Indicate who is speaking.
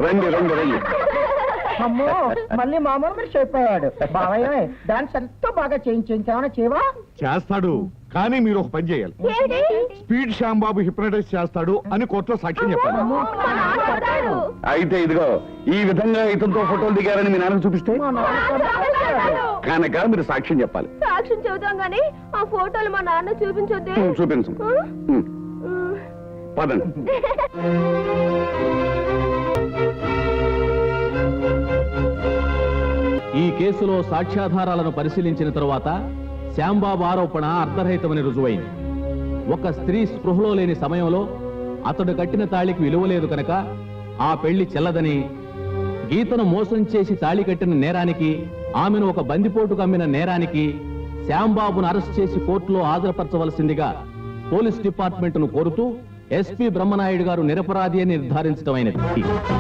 Speaker 1: రండి రండి రండి.
Speaker 2: అమ్మో మళ్ళీ మామూలు మనిషి అయిపోయాడు. బావయ్య డాన్స్ ఎంతో బాగా చేయించేమన్నా చేవా?
Speaker 3: చేస్తాడు, కానీ మీరు ఒక పని చేయాలి. స్పీడ్ శ్యాంబాబు హిప్నటైజ్ చేస్తాడు అని కోర్టులో సాక్ష్యం చెప్పాలి.
Speaker 1: అయితే ఇదిగో ఈ విధంగా ఇతనితో ఫోటోలు దిగారని మీ నాన్నకు చూపిస్తే కనుక మీరు సాక్ష్యం చెప్పాలి.
Speaker 4: సాక్ష్యం చెబుతాం గానీ ఆ ఫోటోలు మా నాన్న చూపించొద్దే.
Speaker 1: చూపించు. పదండి.
Speaker 5: ఈ కేసులో సాక్ష్యాధారాలను పరిశీలించిన తరువాత శ్యాంబాబు ఆరోపణ అర్ధరహితమని రుజువైంది. ఒక స్త్రీ స్పృహలో లేని సమయంలో అతడు కట్టిన తాళికి విలువలేదు కనుక ఆ పెళ్లి చెల్లదని, గీతను మోసం చేసి తాళి కట్టిన నేరానికి, ఆమెను ఒక బందిపోటుకు అమ్మిన నేరానికి శ్యాంబాబును అరెస్ట్ చేసి కోర్టులో హాజరుపరచవలసిందిగా పోలీస్ డిపార్ట్మెంట్ను కోరుతూ ఎస్పీ బ్రహ్మనాయుడు గారు నిరపరాధి అని నిర్ధారించడమైనది.